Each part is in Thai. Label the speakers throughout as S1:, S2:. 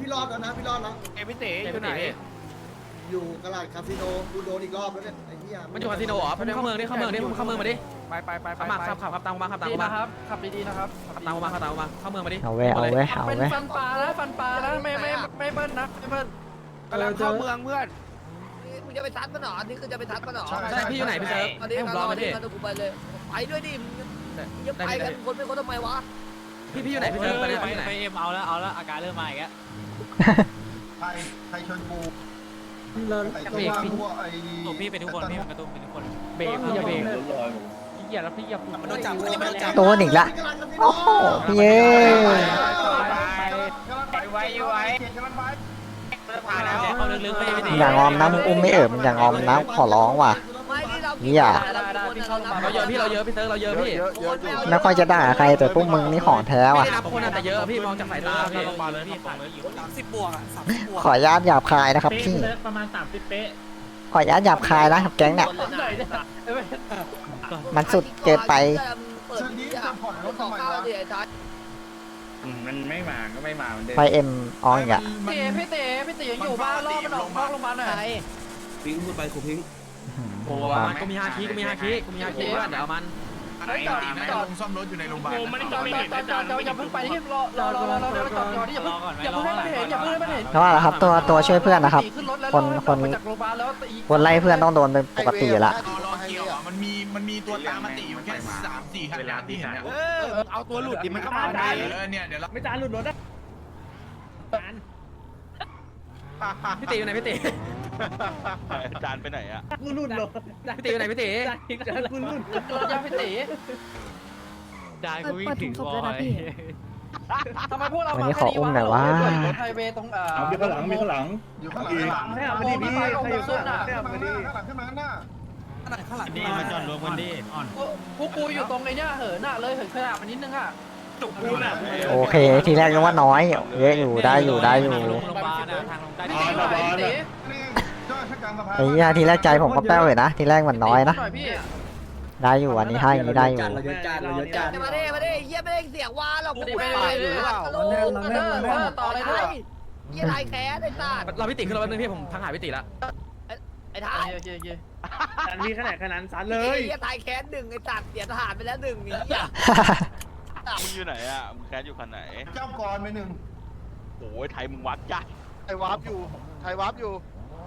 S1: พี่รอดแล้วนะพี่รอดแล้ว
S2: พี่เต๋อยู่ไหน
S1: อยู่กระดาษคาสิโนกูโดนอีกรอบแล้วเนี่ยไอ้เหี้ย
S3: มันอยู่คาสิโนเหรอเข้าเมืองดิเข้าเมืองดิเข้าเมืองมาดิ
S2: ไป
S3: ขับมาขับตามกูมาขับตามกูมา
S2: ขับดีๆนะครับ
S3: ขับตามกูมาขับตามกูมาเข้าเมืองมาดิ
S4: เอาเว้ย
S2: เป็นฟันปลานะฟันปลานะไม่เบิ้ลนะไม่เบิ้ลกำลังเข้าเมืองเพื่อน
S5: มึงจะไปทัดมันหรอนี่คือจะไปทัดมันหรอ
S3: ใช่พี่อยู่ไหนพี่เซิร์ฟ
S5: ตอนนี้
S3: ให้ผมรอ
S5: เรา
S3: มาดิ
S5: ไปเลยไปด้วยดิมึงจะไปกันคนเป็นคนทำไมวะ
S3: พี่อยู่ไหนพี่เซิร์ฟตอนนี้พี่อยู่ไหน
S2: ไปเอ็มเอาแล้วอาการเริ่มมาอีกแล้ว
S6: ใครชนกู
S3: เบรกพี่
S2: ตัวพี่เป็นทุกคนพี่เป็นทุกคน
S3: เบรกพี่อย่าเบรก
S2: พี่อย่าแล้วพี่อย่า
S3: มันโดนจับมันโดนจับ
S4: โดนอีกละโอ้โหพี่เอ้ย
S2: ไว้อยู่ไว้ผ่านแล้วเขาลึกๆไม่ได้
S4: อย่างงอมนะมึงอุ้มไม่มึงอย่างงอมนะขอร้องว่ะ
S5: ไม่ที่เรา
S4: นี่อ่ะ
S3: เราเยอะพี่เราเยอะพี่เซิร์ฟเราเยอะพี่
S4: ไม่ค่อยจะด่าใครแต่พวกมึงนี่ของแท้
S3: ไม่
S4: ว่ะ
S3: ได้นับคนแต่เยอะพี่มองจากสายตาพี่
S2: มาเลยพี่ผ่านเลยอยู่
S3: 30 บวกอ่ะ
S4: ขออนุญาตหยาบคายนะครับพี่
S2: ประมาณ30เป๊ะ
S4: ขออนุญาตหยาบคายนะครับแก๊งเนี่ยมันสุดเกินไป
S5: เปิดนี้อ่ะขอข้าวดิไอ้ทัด
S2: มันไม่มาก็ไม่มามันเดิน
S4: ไฟเอ็มออนอีกอะ
S2: พี่เต๋ยังอยู่บ้านรอบมันออกนอกโรงพยาบาลหน่อย
S1: พิงพูดไปกูพิง
S3: โอ้มันก็มีฮาคิเพื่อนเดี๋ยวมัน
S2: จอดจอด
S6: ซ่อมรถอยู่ในโรงพยาบาล
S2: จอดอย่าเพิ่งไปที่รอจอดที่อย่าเพิ่งให้มันเห็นอย่าเพิ่งให้มันเห็น
S4: เพราะว่าครับตัวช่วยเพื่อนนะครับ
S2: ขึ้นรถแล้ว
S4: คน
S2: มาจากโรงพยาบาลแล้วตี
S4: คนไล่เพื่อนต้องโดนเป็นปกติอยู่ละ
S6: รอเกี่ยวมันมีตัวตามมาติอยู่แค่3-4 คันที่เห็นเนี่ย
S2: เอาตัวหลุดดิมันก็มาได้
S6: เนี่ยเดี๋ยวเรา
S2: ไม่จานหลุดรถนะ
S3: พี่ตีอยู่ไหนพี่ตี
S7: จานไปไหนอะ
S2: กูหลุดรถ
S3: พี่ตีอยู่ไหนพี่ตี
S2: จานกูหลุดรถยาพี่ตีจานกูวิ่งถึงบอยทำไมพวกเรา
S4: วันนี้ขออุ้มหน่อยวะ
S2: ไฮเวย์ตรง
S6: มีข้างหลังอยู่ข้างหลัง
S2: ให้เอามาดิพี่ใครอยู่สุดอ่ะ
S6: ข้างหลังขึ้นมาข้างหน้า
S7: ดีมาจอดรวมกันดิ
S2: กูอยู่ตรงไอ้เนี่ยเหินอ่ะเลยเหินขนาดมันนิดนึงอ่ะ
S7: จุกกูน่ะ
S4: โอเคทีแรกนึกว่าน้อยเยอะอยู่ได้อยู่
S2: โรงพยาบาลอ่ะทางลงใต้ดิน
S6: นี่เจ้าชักกลางสะพาน
S4: ไอ้เหี้ยทีแรกใจผมก็แป้วเลยนะทีแรกมันน้อยนะ
S2: พี่
S4: ได้อยู่วันนี้ให้อย่างนี้ได้อยู่
S1: เราเยอะจัดเราเยอะจัด
S5: มาดิเยี่ยไม่ได้เสียงวาหรอกกูไปหรือเปล่าต่อเลยด้วยยี่ไรแค้ไอ้สัตว์
S3: เราพี่ตีขึ้นรถแป๊บนึงพี่ผมทักหาพี่ตีละ
S5: ไอ้ท้าย
S2: โอเค
S7: จานพี่ขนาดนั้นซันเลย
S5: ยี่ไทยแค้หนึ่งไอ้สัตว์เสียทหารไปแล้วหนึ่งนี่อ่ะ
S7: มึงอยู่ไหนอะมึงแคสอยู่คันไหน
S6: เจ้ากรไปหนึ่ง
S7: โอ้ยไทยมึงวัดจ้ะ
S8: ไทยวาร์ปอยู่ไทยวาร์ปอยู่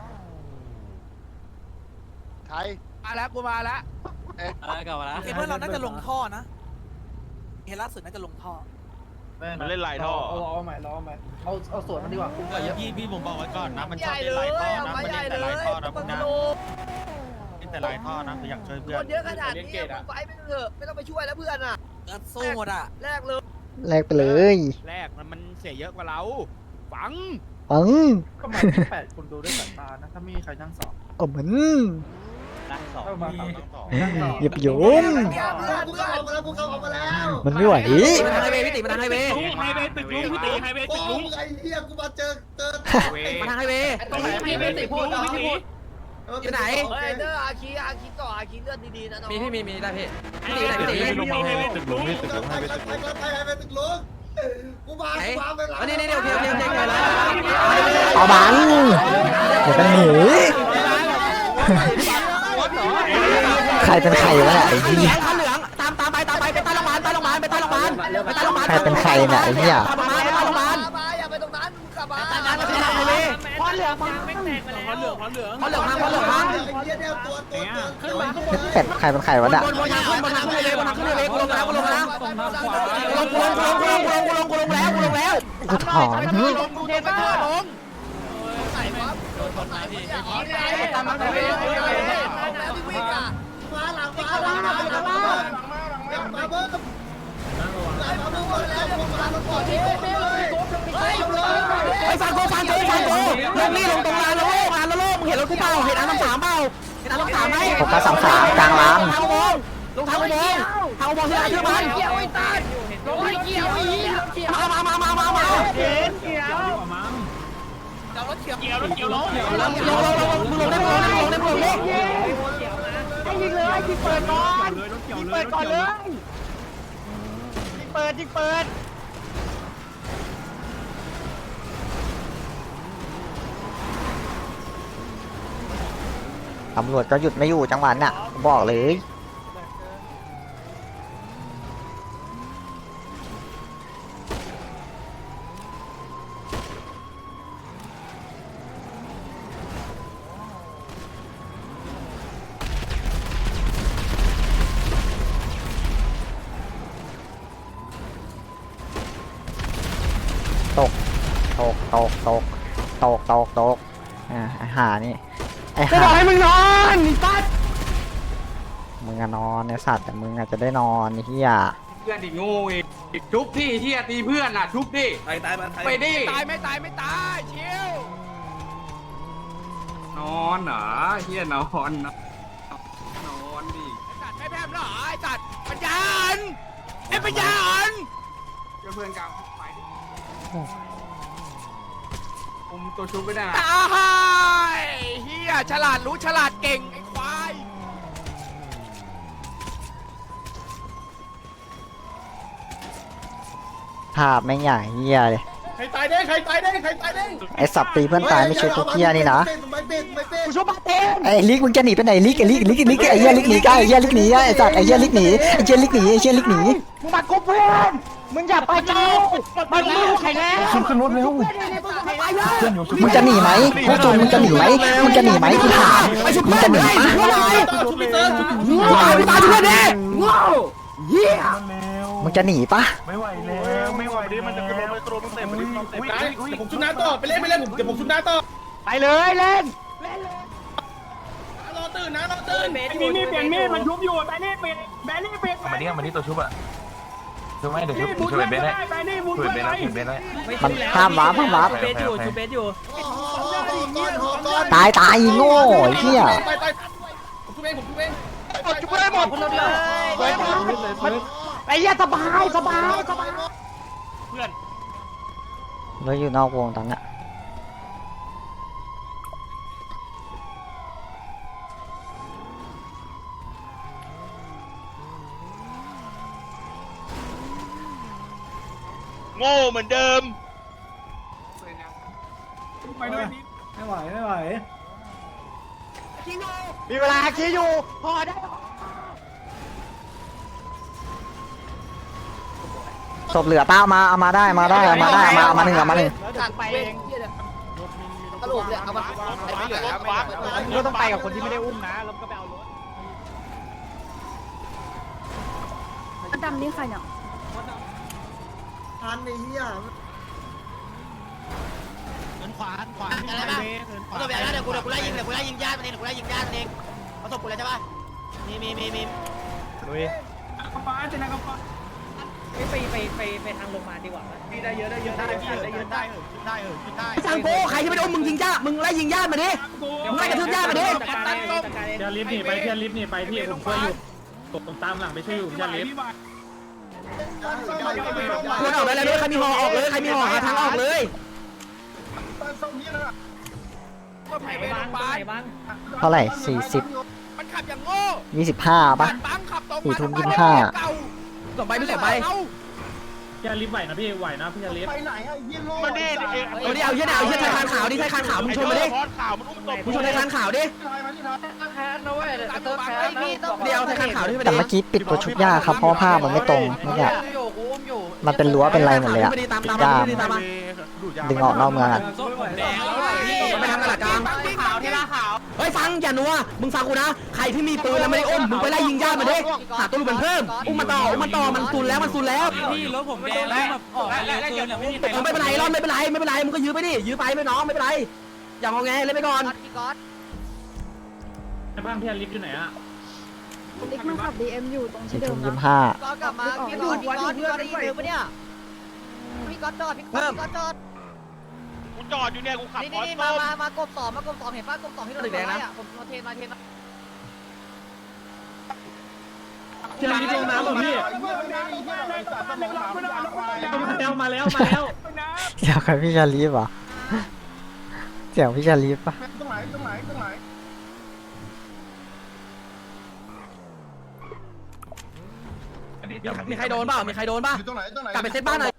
S8: ไทย
S2: มาแล้วกูมาแล้ว
S3: อะไรก่อนละ
S9: เพื่อนเราน่าจะลงท่อนะเห็นล่าสุดน่าจะลงท่อ
S7: มันเล่นลายท่อ
S2: เอาใหม่เอาสวนมันดีกว่าคุ้มกว่าเยอะ
S7: พี่ผมบอกไว้ก่อนนะมัน
S5: ให
S7: ชอบ
S5: ญ่
S7: เล่
S5: เล
S7: นลาย
S5: ย
S7: ท่อ
S5: เอา
S7: นะ
S5: มา
S7: มัน
S5: ให
S7: เล่
S5: ญ่
S7: น
S5: เล
S7: แต่ลาย
S5: ย
S7: ท่อนะ
S5: มึ
S7: มึ
S5: ง
S7: งนะ
S5: ดู
S7: เล่นแต่ลายท่อนะคืออยากช่วยเพื่
S5: ค
S7: อน
S5: นเยอะขนาดนี้มึงไปไม่เถอะไม่ต้องไปช่วยแล้วเพื่อนอ่ะ
S9: สู้หมดอ่ะ
S5: แรกเลย
S4: แลกไปเลย
S2: แรกมันเสียเยอะกว่าเราฝัง
S4: ปัง
S2: ก็มา8คนดูด้วยสายตานะถ้าไม่มีใครนั่งสอง
S4: โอ้เหมือน
S7: นั่งสอง
S4: หยิบโยม
S1: เพื่อนกูเข้าออกมาแล้วกูเข้าออกมาแล้ว
S4: มันไม่ไหว
S3: มันทางไฮเวย์พี่ตีมันทางไฮเวย์
S7: ไฮเวย์ตึกลุงพี่ตีไฮเวย์
S1: โอ้
S7: ตึกลุง
S1: ไอ้เหี้ยกูมาเจอ
S3: มันทางไฮเวย์
S2: ตรงไหนพี่ไม่ติพูดพี่พูด
S3: อยู่ไหน
S5: เฮ้ยเด้ออาคีต่ออาคีเลือดดีๆนะน้อง
S3: มีได้พี่พี่ตีอยู่ไหนพี่ตี
S7: ไฮเวย์ตึกลุงพี่ตึกลุง
S1: ไปไปตึกลุงกูมาไปหลัง
S3: นี่โอเคแล้ว
S4: เอาบังเดี๋ยวมันหนีใครเป็นใครวะเนี่ยไอ้เหี้ย
S3: เหลืองตามไปใต้โรงพยาบาล
S4: ใครเป็นใครเนี่ยไอ้เหี้ย
S3: ไปโรงพยาบาล
S5: มาอย่าไปตรงนั้นกลับมา
S3: ทางไฮเวย์พอเหลืองพัง
S1: ไอ้เหี้ยเนี่ยตัวขึ้นมา
S4: เป็ดใครเป็นใครวะเนี่ย
S3: บนทางขึ้นเลยกูลงแล้วกูลงแล้ว
S4: กูถอน
S2: เทปบ้าลง
S5: ใส่ปั๊บตามมาเลยแล้วที่วิ่งอ่ะ
S1: มาหลังมาเบิ้มมาเบิ้มแล้วพวกมาลงก่อนที่
S3: ไอ้ฟังกูลงนี่ลงตรงลานละโลมึงเห็นรถกูเปล่าเห็นอันน้ำสามเปล่าเห็นอันน้ำสามไหม
S4: ผมก็33กลางลาง
S3: ลงทางอุโมงค์ที่ไหนชื่อมัน
S2: เกี่ยวไอ้ตาลงไปเกี่ยวไอ้เหี้ยเกี่ยว
S3: มา
S2: เกี่ยว
S9: เอารถเขียว
S7: เกี่ยวรถเกี่ยวล้อ
S3: มึงลงได้มึงลง
S2: ให้ยิงเลยยิงเปิดก่อนยิงเปิดก่อนเลยยิงเปิด
S4: ตำรวจก็หยุดไม่อยู่จังหวะน่ะบอกเลยตกไอ้ห่านี่ไอ้
S3: จะ
S4: ห่า
S3: บอกให้มึงนอนไอ้สัส
S4: มึงอะนอนไอ้สัตว์แต่มึงอาจจะได้นอนไอ้เหี้ย
S2: เพื่อนดิโง่อีกชุบที่เฮียตีเพื่อนอ่ะชุบดิ
S9: ตายมัน
S2: ไปดิ
S5: ตายไม่ตายไม่ตายชิวน
S2: อนเหรอเฮียนอนนะนอนดิ
S5: จัดไม่แพ้หรอไอ้จัดปัญญาอ่อนไอ้ปัญญาอ่อน
S2: เพื่อนกลางไปดิผมตัวชุบไม่ได้
S5: ตายเฮียฉลาดรู้ฉลาดเก่งไอ้ควาย
S4: ภาพแม่งใหญ่เหี้ยเลย
S1: ใครตายเด้งใครตายเด้งใครตายเด้ง
S4: ไอ้สับตีเพื่อนตายไม่ช่วยพวกเหี้ยนี่นะ
S1: ไม่เป็น
S3: กูชอบมาเต้น
S4: ไอ้ลิกมึงจะหนีไปไหนลิกไอ้ลิกไอ้เหี้ยลิกหนีไอ้เหี้ยลิกหนีไอ้สัตว์ไอ้เหี้ยลิกหนีไอ้เหี้ยลิกหนีไอ้เหี้ยลิกหนี
S3: มึงมากบเพื่อนมึงอย่าไปเจ้ามันมือใครแล้วขึ้นรถเร็ว
S4: มึงจะหนีไหมพวกจูนมึงจะหนีไหมมึงจะหนีไหมกูถามมึงจะหนีปะ
S1: ชุบพี่เติร์ชุบ
S3: โง่ไปตายทุกคนดิโง่เหี้ย
S4: มึงจะหนีปะ
S7: ไม่ไหวแล้วไม่ไหวดิมันจะกระโดดมันเตะมันเตะ
S1: เดี๋ยวผมชุบน้าต่อไปเล่นเดี๋ยวผมชุบน้าต่อ
S3: ไปเลยเล่น
S1: รอตื่นนะรอตื่น
S7: มีเปลี่ยนมีดมันชุบอยู่แบนี่ปิดแบนี่ปิดมาดิตัวชุบอะชุบไม่เดี๋ยวชุบเบนได้แบนี่มุดเบนได้เบนได้
S4: มันห้ามวาร์ป
S7: เบนอยู่ชุบเบนอยู่
S4: ตายอีโง่ไอ้เหี้ย
S1: ไปผมชุบเอง
S5: จุ๊บได้หมดคนเลย
S3: ไอ้เหี้ยสบาย
S4: เราอยู่นอกวงตอนนี้
S8: โง่เหมือนเดิม
S7: ไปด้วย
S3: ไม่ไหวมีเวลาคิดอยู่พอได้
S4: ศพเหลือป้าเอามาได้เอามาหนึ่ง
S5: จัดไปเองตลกเลยเอามาไม่เหลือแล้ว
S3: ก็ต้องไปกับคนที่ไม่ได้อุ้มนะแล้วก็ไปเอารถ
S10: ดำนี่ใครเนี่ย
S1: ทันไอ้เหี้ย
S9: ขวาน
S5: อะไรบ้างเอาตัวแบบนั้นเดี๋ยวกูไล่ยิงญาติมันเองกูไล่ยิงญาติมันเองเอาศพกูเลยใช่ป่ะมี
S3: ลุย
S7: ฟ้าเจนกับฟ้า
S3: ไปทางโรงพยาบาลดีกว่าได้เยอะได้
S9: สั
S3: สังโกใครที่ไม่ได้อุ้มมึงยิงญาติมึงไล่ยิงญาติมาดิมึงไล่กระทืบญาติมาดิ
S7: เทียลิฟต์หนีไปพี่ผมช่วยอยู่ผมตามหลังไปช่วยอยู่เทียลิฟต์
S3: คนออกไปเลยใครมีห่อออกเลยใครมีห่อหาทางออกเลย
S5: ก็ไปโรงพยาบาล
S4: เท่าไหร่
S5: มันขับอย่างโง่
S4: 25ป่ะ
S5: บังขับตรง
S4: 4 ทุ่ม
S3: ส่งไปไม่ส่งไป
S7: เทียลิฟต์ไหวนะพี่ไหวนะพี่เทียลิฟต์
S8: มาดิ
S3: เอาดิเอาเหี้ยไทยคานขาวดิไทยคานขาวมึงชนมาดิ
S8: คอนข่าวมันอุ้มศพ
S3: มึงชนไทยคานขาวดิ เดี๋ยวไทยคานขาวดิไป
S4: แต่
S3: ดิ
S4: เมื่อกี้ปิดตัวชุบยาครับเพราะว่าภาพมันไม่ตรงเมื่อกี้มันเป็นรั้วเป็นอะไรหมดเลยอะปิดยาดึงออกนอกเมืองอะ
S3: ไปทางตลาดกลางเฮ้ยฟังอย่านัวมึงฟังกูนะใครที่มีปืนแล้วไม่ได้อุ้มมึงไปไล่ยิงญาติมาดิหาตัวลูกเป็นเพิ่มอุ้มมันต่อมันซุนแล้ว
S2: พี่รถผมแดงแล้วแบบออกแล้วเกินอ่ะไม่มีใคร
S3: ไม่เป็นไรรอดไม่เป็นไรมึงก็ยื้อไปดิยื้อไปไม่น้องไม่เป็นไรอย่างงอแงเล่นไปก่อน
S7: บ้านเทียลิฟต์อยู่ไหนอะ
S10: ลิกมันขับ DM อยู่ตรงที่
S4: 4
S10: เดิ
S4: ทุ่
S10: ม
S4: ม
S10: นะ
S4: 25
S5: ก็กลับมาพี่ก๊อตได้ยินเดิมปะเนี่ยพี่ก๊อตจอด
S8: กูจอดอยู่เนี่ยกูขับ
S5: นี่
S8: คอน
S5: นี่
S8: ส้ม
S5: มากบสองเห็นป่ะกบสองที่เราไล่อ่ะผมเทนมา
S7: เทียลิฟต์ลงน้ำหรอพี่มาแล้ว
S4: เสียงใครพี่ชาลีฟเหรอเสียงพี่ชาลีฟปะ
S3: มีใครโดนป่ะกลับไปเซตบ้านหน่อย